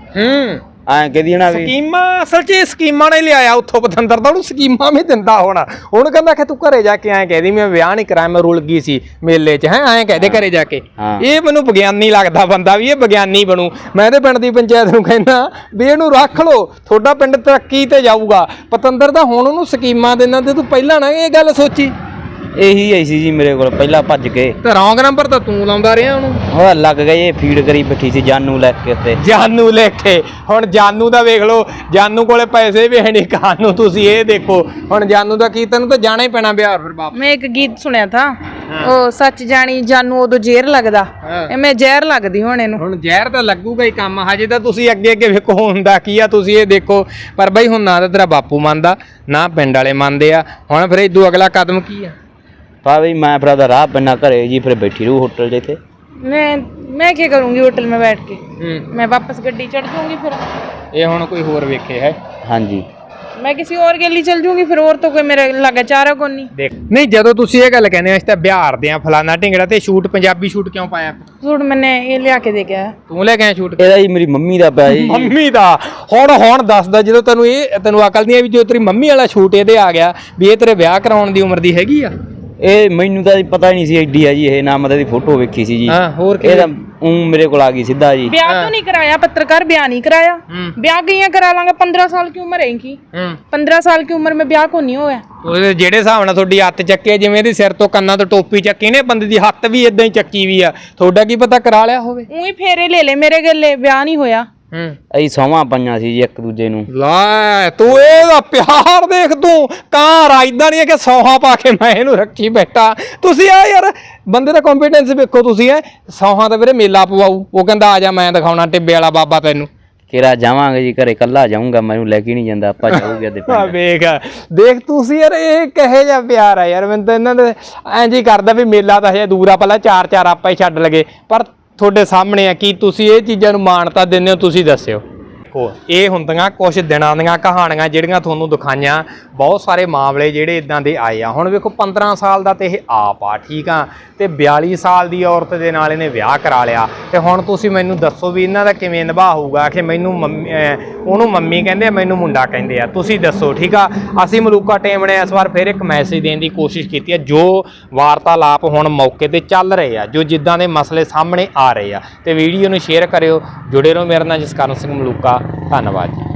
ਐਂ ਕਹਦੀ ਨਾ ਵੀ ਸਕੀਮਾਂ ਅਸਲ 'ਚ ਸਕੀਮਾਂ ਨੇ ਲਿਆਇਆ ਉੱਥੋਂ ਪਤੰਦਰ ਦਾ ਉਹਨੂੰ ਸਕੀਮਾਂ ਵੀ ਦਿੰਦਾ ਹੋਣਾ ਉਹਨੂੰ ਕਹਿੰਦਾ ਕਿ ਤੂੰ ਘਰੇ ਜਾ ਕੇ ਐਂ ਕਹਿਦੀ ਮੈਂ ਵਿਆਹ ਨਹੀਂ ਕਰਾਇਆ ਮੈਂ ਰੁਲ ਗਈ ਸੀ ਮੇਲੇ 'ਚ ਹੈ ਐਂ ਕਹਦੇ ਘਰੇ ਜਾ ਕੇ ਇਹ ਮੈਨੂੰ ਵਿਗਿਆਨੀ ਲੱਗਦਾ ਬੰਦਾ ਵੀ ਇਹ ਵਿਗਿਆਨੀ ਬਣੂ ਮੈਂ ਇਹਦੇ ਪਿੰਡ ਦੀ ਪੰਚਾਇਤ ਨੂੰ ਕਹਿੰਦਾ ਵੀ ਇਹਨੂੰ ਰੱਖ ਲਓ ਤੁਹਾਡਾ ਪਿੰਡ ਤਰੱਕੀ ਤੇ ਜਾਊਗਾ ਪਤੰਦਰ ਦਾ ਹੁਣ ਉਹਨੂੰ ਸਕੀਮਾਂ ਦੇਣਾ ਤੇ ਤੂੰ ਪਹਿਲਾਂ ਨਾ ਇਹ ਗੱਲ ਸੋਚੀ ਇਹੀ ਆਈ ਸੀ ਜੀ ਮੇਰੇ ਕੋਲ ਪਹਿਲਾਂ ਭੱਜ ਕੇ ਤੇ ਰੌਂਗ ਨੰਬਰ ਤਾਂ ਤੂੰ ਲਾਉਂਦਾ ਰਿਹਾ ਉਹਨੂੰ ਉਹ ਲੱਗ ਗਈ ਇਹ ਫੀਡ ਕਰੀ ਬੈਠੀ ਸੀ ਜਾਨੂ ਲੈ ਕੇ ਉੱਤੇ ਜਾਨੂ ਲੈ ਕੇ ਹੁਣ ਜਾਨੂ ਦਾ ਵੇਖ ਲਓ ਜਾਨੂ ਕੋਲੇ ਪੈਸੇ ਵੀ ਹੈ ਨਹੀਂ ਖਾਣ ਨੂੰ ਤੁਸੀਂ ਇਹ ਦੇਖੋ ਹੁਣ ਜਾਨੂ ਦਾ ਕੀ ਤੈਨੂੰ ਤਾਂ ਜਾਣਾ ਹੀ ਪੈਣਾ ਬਿਹਾਰ ਫਿਰ ਵਾਪਸ मैं एक गीत सुनिया था ओ सच जानी जानू उदो ਜ਼ਹਿਰ ਲੱਗਦਾ ਮੈਂ ਜ਼ਹਿਰ ਲੱਗਦੀ ਹੁਣ ਇਹਨੂੰ ਹੁਣ ਜ਼ਹਿਰ ਤਾਂ ਲੱਗੂਗਾ ਹੀ ਕੰਮ ਹਜੇ ਤਾਂ ਤੁਸੀਂ ਅੱਗੇ ਵੇਖੋ ਹੁੰਦਾ ਕੀ ਆ ਤੁਸੀਂ ਇਹ ਦੇਖੋ ਪਰ ਬਈ ਹੁਣ ਨਾ ਤਾਂ ਤੇਰਾ ਬਾਪੂ ਮੰਨਦਾ ਨਾ ਪਿੰਡ ਵਾਲੇ ਮੰਨਦੇ ਆ ਹੁਣ ਫਿਰ ਇਦੋਂ ਅਗਲਾ ਕਦਮ ਕੀ ਆ ਪਾ ਬਈ ਮੈਂ ਫਿਰ ਉਹਦਾ ਰਾਹ ਪੈਣਾ ਘਰੇ ਜੀ ਫਿਰ ਬੈਠੀ ਰਹੂ ਹੋਟਲ ਜਿੱਥੇ मैं क्या करूंगी होटल में बैठ के मैं वापस गड्डी चढ़ जाऊंगी फिर ਇਹ ਹੁਣ ਕੋਈ ਹੋਰ ਵੇਖੇ ਹੈ ਹਾਂਜੀ मैं किसी और के लिए चल जाऊंगी फिर और तो कोई मेरे लगा चारा को नहीं ਦੇਖ ਨਹੀਂ ਜਦੋਂ ਤੁਸੀਂ ਇਹ ਗੱਲ ਕਹਿੰਦੇ ਆ ਅਸੀਂ ਤਾਂ ਬਿਹਾਰ ਦੇ ਆ ਫਲਾਨਾ ਢਿੰਗੜਾ ਤੇ ਸ਼ੂਟ ਪੰਜਾਬੀ ਸ਼ੂਟ ਕਿਉਂ ਪਾਇਆ सूट मैंने ये लिया के दे गया ਤੂੰ ਲੈ ਕੇ ਆਇਆ ਸ਼ੂਟ ਇਹਦਾ ਜੀ ਮੇਰੀ ਮੰਮੀ ਦਾ ਪਿਆ ਜੀ ਮੰਮੀ ਦਾ ਹੁਣ ਦੱਸਦਾ ਜਦੋਂ ਤੈਨੂੰ ਅਕਲ ਨਹੀਂ ਆ ਵੀ ਜੋ ਤੇਰੀ ਮੰਮੀ ਵਾਲਾ ਸ਼ੂਟ ਇਹਦੇ ਆ ਗਿਆ ਵੀ ਇਹ ਤੇਰੇ ਵਿਆਹ ਕਰਾਉਣ ਦੀ ਉਮਰ ਦੀ ਹੈਗੀ ਆ ਇਹ ਮੈਨੂੰ ਤਾਂ ਪਤਾ ਹੀ ਨਹੀਂ ਸੀ ਐਡੀ ਆ ਜੀ ਇਹ ਨਾ ਮਤਲਬ ਦੀ ਫੋਟੋ ਵੇਖੀ ਸੀ ਜੀ ਹਾਂ ਹੋਰ ਕੀ ਇਹਦਾ मेरे को आ गई सीधा जी ब्याह तो नहीं कराया पत्रकार ब्याह नहीं कराया ब्याह कहीं करा लांगे 15 साल की उम्र है इनकी 15 साल की उम्र में ब्याह को नहीं होया ਉਹਦੇ ਜਿਹੜੇ ਹਿਸਾਬ ਨਾਲ ਤੁਹਾਡੀ ਹੱਥ ਚੱਕੇ ਜਿਵੇਂ ਇਹਦੀ ਸਿਰ ਤੋਂ ਕੰਨਾਂ ਤੋਂ ਟੋਪੀ ਚੱਕੀ ਨੇ ਬੰਦੇ ਦੀ ਹੱਥ ਵੀ ਇਦਾਂ ਹੀ ਚੱਕੀ ਵੀ ਆ ਤੁਹਾਡਾ ਕੀ ਪਤਾ ਕਰਾ ਲਿਆ ਹੋਵੇ ਉਹੀ ਫੇਰੇ ਲੈ ਲੈ ਮੇਰੇ ਗੱਲੇ ਵਿਆਹ ਨਹੀਂ ਹੋਇਆ ਅਸੀਂ ਸੌਵਾਂ ਪਈਆਂ ਸੀ ਜੀ ਇੱਕ ਦੂਜੇ ਨੂੰ ਲੈ ਤੂੰ ਇਹਦਾ ਪਿਆਰ ਦੇਖ ਤੂੰ ਕਾਂ ਰਾਜਦਾ ਨਹੀਂ ਹੈ ਕਿ ਸੌਹਾਂ ਪਾ ਕੇ ਮੈਂ ਇਹਨੂੰ ਰੱਖੀ ਬੈਠਾ ਤੁਸੀਂ ਆ ਯਾਰ ਬੰਦੇ ਦਾ ਕੰਫੀਡੈਂਸ ਵੇਖੋ ਤੁਸੀਂ ਐ ਸੌਹਾਂ ਦਾ ਵੀਰੇ ਮੇਲਾ ਪਵਾਊ ਉਹ ਕਹਿੰਦਾ ਆ ਜਾ ਮੈਂ ਦਿਖਾਉਣਾ ਟਿੱਬੇ ਵਾਲਾ ਬਾਬਾ ਤੈਨੂੰ ਕਿਹੜਾ ਜਾਵਾਂਗੇ ਜੀ ਘਰੇ ਕੱਲਾ ਜਾਊਂਗਾ ਮੈਨੂੰ ਲੈ ਕੇ ਨਹੀਂ ਜਾਂਦਾ ਆਪਾਂ ਜਾਊਗੇ ਅੱਦੇ ਪਿੰਡ ਦੇਖ ਤੁਸੀਂ ਯਾਰ ਇਹ ਕਹੇ ਜਿਹਾ ਪਿਆਰ ਆ ਯਾਰ ਮੈਨੂੰ ਤਾਂ ਇਹਨਾਂ ਦੇ ਐਂ ਜੀ ਕਰਦਾ ਵੀ ਮੇਲਾ ਤਾਂ ਹਜੇ ਦੂਰ ਆ ਪਹਿਲਾਂ 4 ਆਪਾਂ ਹੀ ਛੱਡ ਲਗੇ ਪਰ ਤੁਹਾਡੇ ਸਾਹਮਣੇ ਆ ਕੀ ਤੁਸੀਂ ਇਹ ਚੀਜ਼ਾਂ ਨੂੰ ਮਾਨਤਾ ਦਿੰਦੇ ਹੋ ਤੁਸੀਂ ਦੱਸਿਓ ਦੇਖੋ ਇਹ ਹੁੰਦੀਆਂ ਕੁਝ ਦਿਨਾਂ ਦੀਆਂ ਕਹਾਣੀਆਂ ਜਿਹੜੀਆਂ ਤੁਹਾਨੂੰ ਦਿਖਾਈਆਂ। ਬਹੁਤ ਸਾਰੇ ਮਾਮਲੇ ਜਿਹੜੇ ਇਦਾਂ ਦੇ ਆਏ ਆ। ਹੁਣ ਵੇਖੋ 15 ਸਾਲ ਦਾ ਤੇ ਇਹ ਆਪ ਆ, ਠੀਕ ਆ, ਤੇ 42 ਸਾਲ ਦੀ ਔਰਤ ਦੇ ਨਾਲ ਇਹਨੇ ਵਿਆਹ ਕਰਾ ਲਿਆ। ਤੇ ਹੁਣ ਤੁਸੀਂ ਮੈਨੂੰ ਦੱਸੋ ਵੀ ਇਹਨਾਂ ਦਾ ਕਿਵੇਂ ਨਿਭਾਅ ਹੋਊਗਾ ਕਿ ਮੈਨੂੰ ਉਹਨੂੰ ਮੰਮੀ ਕਹਿੰਦੇ ਆ, ਮੈਨੂੰ ਮੁੰਡਾ ਕਹਿੰਦੇ ਆ, ਤੁਸੀਂ ਦੱਸੋ, ਠੀਕ ਆ। ਅਸੀਂ ਮਲੂਕਾ ਟੀਮ ਨੇ ਇਸ ਵਾਰ ਫਿਰ ਇੱਕ ਮੈਸੇਜ ਦੇਣ ਦੀ ਕੋਸ਼ਿਸ਼ ਕੀਤੀ ਹੈ। ਜੋ ਵਾਰਤਾਲਾਪ ਹੁਣ ਮੌਕੇ ਤੇ ਚੱਲ ਰਹੇ ਆ, ਜੋ ਜਿੱਦਾਂ ਦੇ ਮਸਲੇ ਸਾਹਮਣੇ ਆ ਰਹੇ ਆ, ਤੇ ਵੀਡੀਓ ਨੂੰ ਸ਼ੇਅਰ ਕਰਿਓ। ਜੁੜੇ ਰਹੋ ਮੇਰੇ ਨਾਲ ਜਸਕਰਨ ਸਿੰਘ ਮਲੂਕਾ। ਧੰਨਵਾਦ ਜੀ।